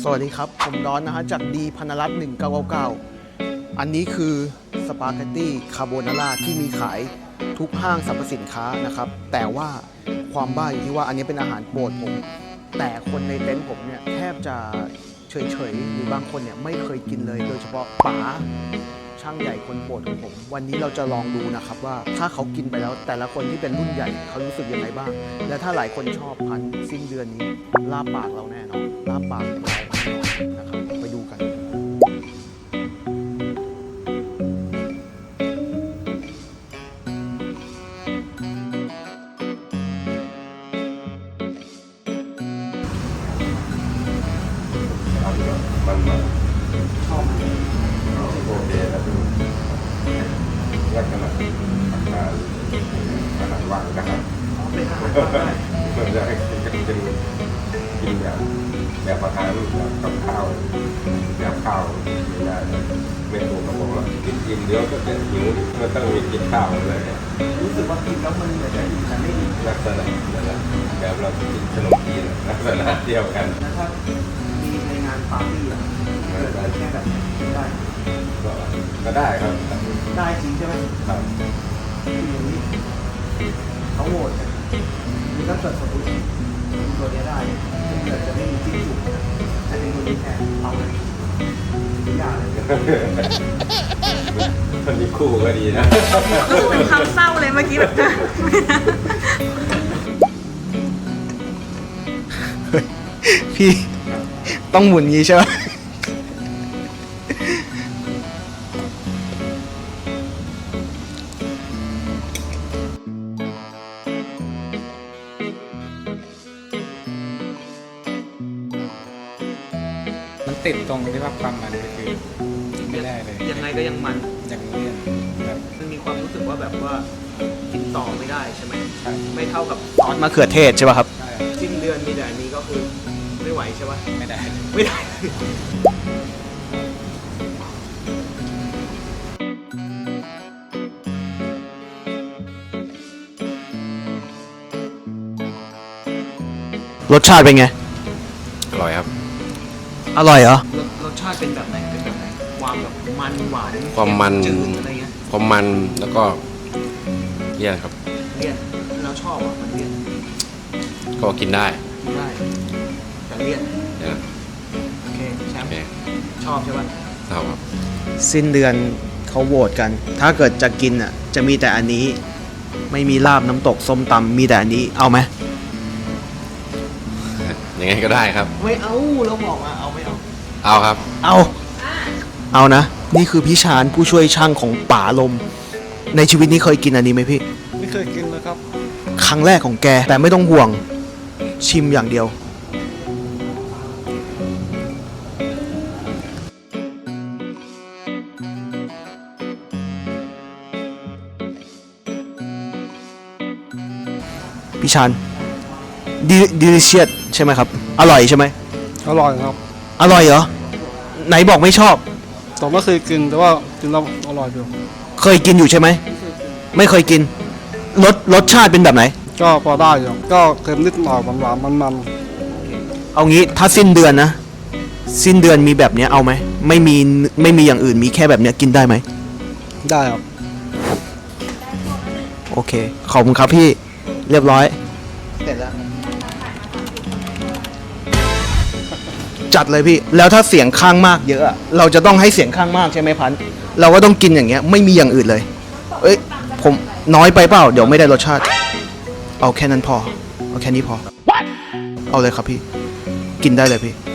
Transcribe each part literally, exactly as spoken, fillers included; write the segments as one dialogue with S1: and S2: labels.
S1: สวัสดีครับผมดอนนะฮะจากดีพนรัตน์หนึ่งเก้าเก้าเก้าอันนี้คือสปาเกตตี้คาโบนาร่าที่มีขายทุกห้างสรรพสินค้านะครับแต่ว่าความบ้าอยู่ที่ว่าอันนี้เป็นอาหารโปรดผมแต่คนในเต็นท์ผมเนี่ยแทบจะเฉยๆหรือบางคนเนี่ยไม่เคยกินเลยโดยเฉพาะป๋าช่างใหญ่คนโปรดของผมวันนี้เราจะลองดูนะครับว่าถ้าเขากินไปแล้วแต่ละคนที่เป็นรุ่นใหญ่เขารู้สึกยังไงบ้างและถ้าหลายคนชอบพันสิ้นเดือนนี้ลาบปากเราแน่นอนลาบปากเรานะครับไปดูกัน
S2: มันมันชอบโอเคแล้วดูลักษณะอาหารอาหารว่างนะครับมันจะให้กินกินกินแบบแบบอาหารแบบกับข้าวแบบข้าวไม่ได้ไม่ถูกกับผมว่ากินกินเดี๋ยวก็จะหิวมันต้องมีกินข้าวเลย
S1: รู้สึกว่ากินแล้วมันเหมือนจะอิ่มแต่ไม่อิ่ม
S2: ลักษณะแบบเรากินขนมจีนลักษณะเดียวกัน
S1: ถ้ามีในงานปาร์ตี้อะเกิดแค่แบบได้
S2: ก็ได้ครับ
S1: ได้จริงใช่ไหม
S2: ครับ
S1: อย่างนี้เขาโหวตนี่ก็เกิดสมมติตัวนี้ได้เกิดจะไม่มีจิ้มจุ่มแต่เป็นตัวนี้แทนเอาเลยอย่าเลย
S2: คนนี้คู่ก็ดีนะ
S3: เป็นคำเศร้าเลยเมื่อกี้แบบ
S1: พี่ต้องหมุนงี้ใช่ไหม
S4: มันติดตรงที่ว่าความมันก็คือไม่ได้เลย
S1: ยังไงก็ยังมัน
S4: ยังเลี่ยนแบบ
S1: มันมีความรู้สึกว่าแบบว่ากินต่อไม่ได้ใช่ไหม
S4: ใช่
S1: ไม่เท่ากับซอสมะเขือเทศใช่ป่ะครับ
S4: ใช่
S1: สิ้นเดือนมีแต่อันนี้ก็คือไม่ไหวใช่ป่ะ
S4: ไม่ได้
S1: ไม่ได้รสชาติเป็นไง
S2: อร่อยครับ
S1: อร่อยเหรอรสชาติเป็นแบบไหนเป็นแบบไหนความแบบมันหวาน
S2: ความมัน
S1: จืดอะไรเงี้ย
S2: ความมันแล้วก็เลี่ยนครับ
S1: เลี่ยนเราชอบอ่ะมันเลี่ยน
S2: ก็กินได้
S1: กินได้แต่เลี่ยน
S2: นะ
S1: โอเคแชมป์ชอบใช่ป่ะ
S2: ชอบครับ
S1: สิ้นเดือนเขาโหวตกันถ้าเกิดจะกินอ่ะจะมีแต่อันนี้ไม่มีลาบน้ำตกส้มตำมีแต่อันนี้เอาไหม
S2: ยังไงก็ได้ครับ
S1: ไม่เอาเราบอกว่าเอาไม่เอา
S2: เอาครับ
S1: เอาเอานะนี่คือพี่ชานผู้ช่วยช่างของป๋าลมในชีวิตนี้เคยกินอันนี้ไหมพี่
S4: ไม่เคยกินเลยครับ
S1: ครั้งแรกของแกแต่ไม่ต้องห่วงชิมอย่างเดียวพี่ชานดิดิลิเชียสใช่ไหมครับอร่อยใช่ไหม
S4: อร่อยครับ
S1: อร่อยเหรอไหนบอกไม่ชอบ
S4: ผมไม่เคยกินแต่ว่ากินแล้วอร่อยอยู่
S1: เคยกินอยู่ใช่ไหมไม่เคยกินรสรสชาติเป็นแบบไหน
S4: ก็พอได้อยู่ก็เค็มนิดหน่อยหวานๆมัน
S1: ๆเอางี้ถ้าสิ้นเดือนนะสิ้นเดือนมีแบบนี้เอาไหมไม่มีไม่มีอย่างอื่นมีแค่แบบนี้กินได้ไหม
S4: ได้ครับ
S1: โอเคขอบคุณครับพี่เรียบร้อยเสร็จแล้วจัดเลยพี่แล้วถ้าเสียงข้างมากเยอะเราจะต้องให้เสียงข้างมากใช่ไหมพันเราก็ต้องกินอย่างเงี้ยไม่มีอย่างอื่นเลยเอ้ยผมน้อยไปเปล่าเดี๋ยวไม่ได้รสชาติเอาแค่นั้นพอเอาแค่นี้พอเอาเลยครับพี่กินได้เลยพี่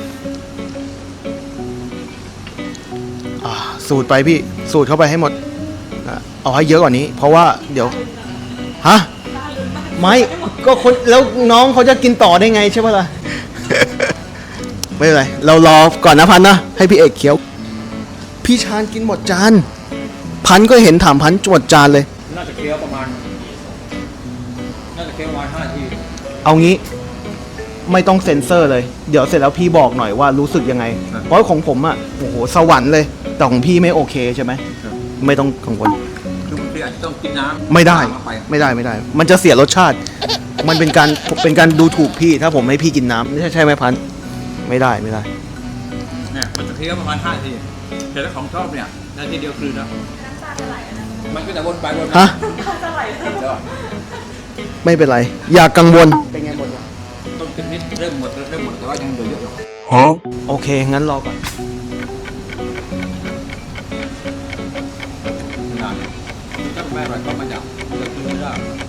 S1: อ่าสูตรไปพี่สูตรเข้าไปให้หมดเอาให้เยอะกว่านี้เพราะว่าเดี๋ยวฮะไม่ก็คนแล้วน้องเขาจะกินต่อได้ไงใช่ปะล่ะ ไม่เป็นไรเรารอก่อนนะพันนะให้พี่เอกเคี้ยวพี่ชานกินหมดจานพันก็เห็นถามพันหมดจานเลย
S4: น่าจะเคี้ยวประมาณน่าจะเคี้ยวประมาณห้านาที
S1: เอางี้ไม่ต้องเซ็นเซอร์เลยเดี๋ยวเสร็จแล้วพี่บอกหน่อยว่ารู้สึกยังไงเพราะของผมอ่ะโอ้โหสวรรค์เลยแต่ของพี่ไม่โอเคใช่ไหมไม่ต้องกังวล
S4: คือบางทีอาจจะต้องกินน้ำ
S1: ไม่ได้ไม่ได้ไม่ได้มันจะเสียรสชาติมันเป็นการเป็นการดูถูกพี่ถ้าผมให้พี่กินน้ำไม่ใช่ใช่ไหมพันไม่ได้ไม่ได้
S5: เนี่ยมันจะเคี้ยวประมาณห้าทีแต่ถ้าของชอบเนี่ยนาทีเดียวคืนแล้วมันก็จะวนไปวนมา
S1: ฮะ
S5: เดี๋ยว
S1: ไม่เป็นไร อย่ากังวล เป็นไงหมดยัง
S5: ต้นชนิดเริ่มหมดเริ่มหมดแต่ว่ายังเหลือเยอะอยู่
S1: โอเค งั้นรอก่อน
S5: นานถ้าไม่อร่อยก็มาจากเลือกไม่ได้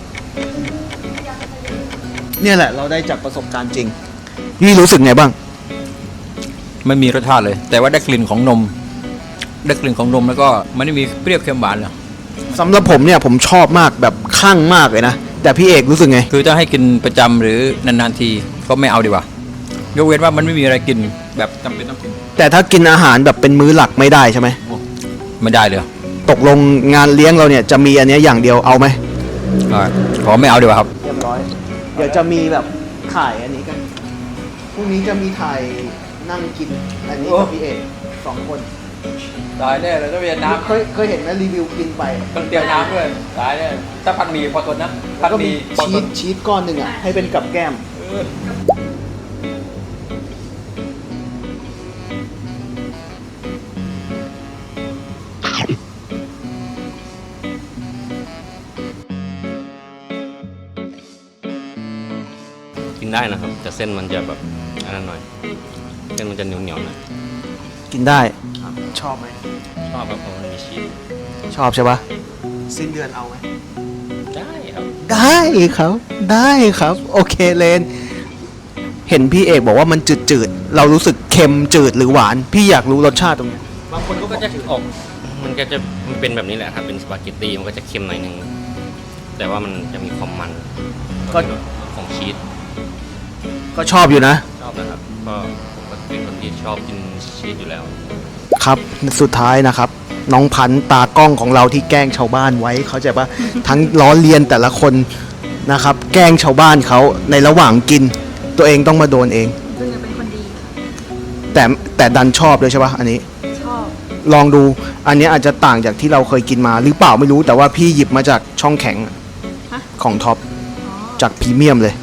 S1: เนี่ยแหละ เราได้จากประสบการณ์จริง พี่รู้สึกไงบ้าง
S5: ไม่มีรสชาติเลย แต่ว่าได้กลิ่นของนมได้กลิ่นของนมแล้วก็มันไม่มีเปรี้ยวเค็มหวานเลย
S1: สำหรับผมเนี่ยผมชอบมากแบบคลั่งมากเลยนะ แต่พี่เอกรู้สึกไง
S5: คือจะให้กินประจำหรือนานๆทีก็ไม่เอาดีกว่ายกเว้นว่ามันไม่มีอะไรกินแบบจำเป็นต้องกิน
S1: แต่ถ้ากินอาหารแบบเป็นมื้อหลักไม่ได้ใช่ไหม
S5: ไม่ได้เลย
S1: ตกลงงานเลี้ยงเราเนี่ยจะมีอันเนี้ยอย่างเดียวเอาไหม
S5: อ่าขอไม่เอาดีกว่าครับ
S1: เรียบร้อย เดี๋ยวจะมีแบบถ่ายอันนี้กัน พรุ่งนี้จะมีถ่ายนั่งกิน อันนี้กับพี่เอกสองคน
S5: ตายแน่เลยต้องเรียนน้ำ
S1: เคยเคยเห็นไหมรีวิวกินไป
S5: ต้องเตรียมน้ำด้วยตายแน่ถ้าพันหมีพอทนนะพั
S1: แล้ว
S5: น
S1: ก็
S5: หมี
S1: มี
S5: พอ
S1: ชี
S5: ท
S1: ส
S5: น
S1: ชีสก้อนหนึ่งอ่ะให้เป็นกับแก้ม
S6: กินได้นะครับ แต่เส้นมันจะแบบอันนั้นหน่อย เส้นมันจะเหนียวเหนียวๆหน่อย
S1: กินได้ ชอบไหม
S6: ชอบแบบเพราะมันมีชีส
S1: ชอบใช่ปะสิ้นเดือนเอาไหม
S6: ได้ครับ
S1: ได้ครับ ได้ครับ โอเคเลน เห็นพี่เอกบอกว่ามันจืดๆ เรารู้สึกเค็มจืดหรือหวาน พี่อยากรู้รสชาติตรงนี้บางคนก็
S6: ก็จะออกมันก็จะมันเป็นแบบนี้แหละครับเป็นสปาเกตตี้มันก็จะเค็มหน่อยนึงแต่ว่ามันจะมีความมัน
S1: ก็
S6: ของชีส
S1: ก็ชอบอยู่นะ
S6: ชอบนะครับก็ผมก็เป็นคนที่ชอบกินชีสอยู่แล้ว
S1: ครับ สุดท้ายนะครับ น้องพันธุ์ตากล้องของเราที่แกล้งชาวบ้านไว้เขาใจปะ ทั้งล้อเลียนแต่ละคนนะครับ แกล้งชาวบ้านเขาในระหว่างกิน ตัวเองต้องมาโดนเอง
S3: ซึ่งจะเป็นคนดี
S1: แต่แต่ดันชอบเลยใช่ปะอันนี้
S3: ชอบ
S1: ลองดูอันนี้อาจจะต่างจากที่เราเคยกินมาหรือเปล่าไม่รู้แต่ว่าพี่หยิบมาจากช่องแข็ง
S3: ฮะ
S1: ของท็อป
S3: อ๋อ
S1: จากพรีเมียมเลย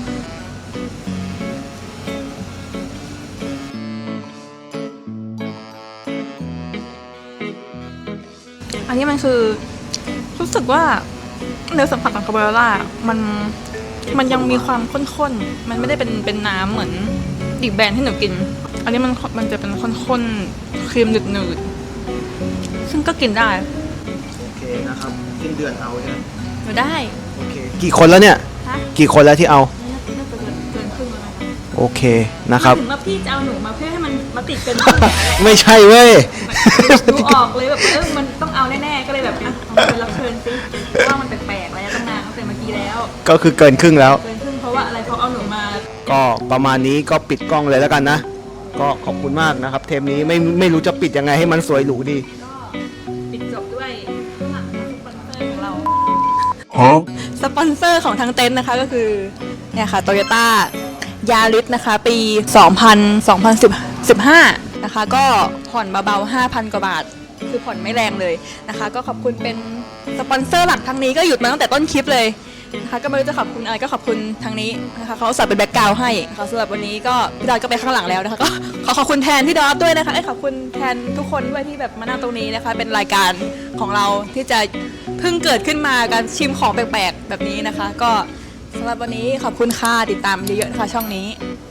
S3: อันนี้มันคือรู้สึกว่าเนื้อสัมผัสของคาโบนาร่ามันมันยังมีความข้นๆ มันไม่ได้เป็นเป็นน้ำเหมือนอีกแบรนด์ที่หนูกิน อันนี้มันมันจะเป็นข้นๆครีมหนืดๆซึ่งก็กินได้
S1: โอเคนะครับสิ้นเดือนเอาใช่ไหม
S3: หนูได้
S1: โอเคกี่คนแล้วเนี่ย
S3: ฮะ
S1: กี่คนแล้วที่เอา
S3: น่าจะเกินเกินครึ่งแล้วนะคะ
S1: โอเคนะครับ
S3: ถึงว่าพี่จะเอาหนูมาเพื่อให้มันมาติดเป็น
S1: ไม่ใช่เว้ย
S3: ดูออกเลยแบบเออมันต้องเอาแน่ๆ ก็เลยแบบอ่ะเอามาเป็นรับเชิญสิเพราะว่ามันแปลกๆแล้วตั้งนานตั้งแต่เมื่อกี้แล้ว
S1: ก็คือเกินครึ่งแล้ว
S3: เกินครึ่งเพราะว่าอะไรเขาเอาหนูมา
S1: ก็ประมาณนี้ก็ปิดกล้องเลยแล้วกันนะ ก็ขอบคุณมากนะครับ เทปนี้ไม่ไม่รู้จะปิดยังไงให้มันสวยหรูดี
S3: ก็ปิดจบด้วยข้างหลังสปอนเซอร์ของเราสปอนเซอร์ของทางเต็นท์นะคะก็คือเนี่ยค่ะโตโยต้ายาริสนะคะ ปี สองพัน สองพันสิบห้า นะคะ ก็ผ่อนเบาๆ ห้าพัน กว่าบาท คือผ่อนไม่แรงเลยนะคะ ก็ขอบคุณเป็นสปอนเซอร์หลักทางนี้ก็หยุดมาตั้งแต่ต้นคลิปเลยนะคะก็ไม่รู้จะขอบคุณอะไรก็ขอบคุณทางนี้นะคะเขาใส่เป็นแบ็กกราวด์ให้ค่ะสำหรับวันนี้ก็พี่ดอยก็ไปข้างหลังแล้วนะคะก็ขอขอบคุณแทนพี่ดอยด้วยนะคะไอ้ยขอบคุณแทนทุกคนด้วยที่แบบมานั่งตรงนี้นะคะ เป็นรายการของเราที่จะเพิ่งเกิดขึ้นมาการชิมของแปลกๆแบบนี้นะคะ ก็สำหรับวันนี้ขอบคุณค่ะติดตามเยอะๆนะคะช่องนี้
S1: ค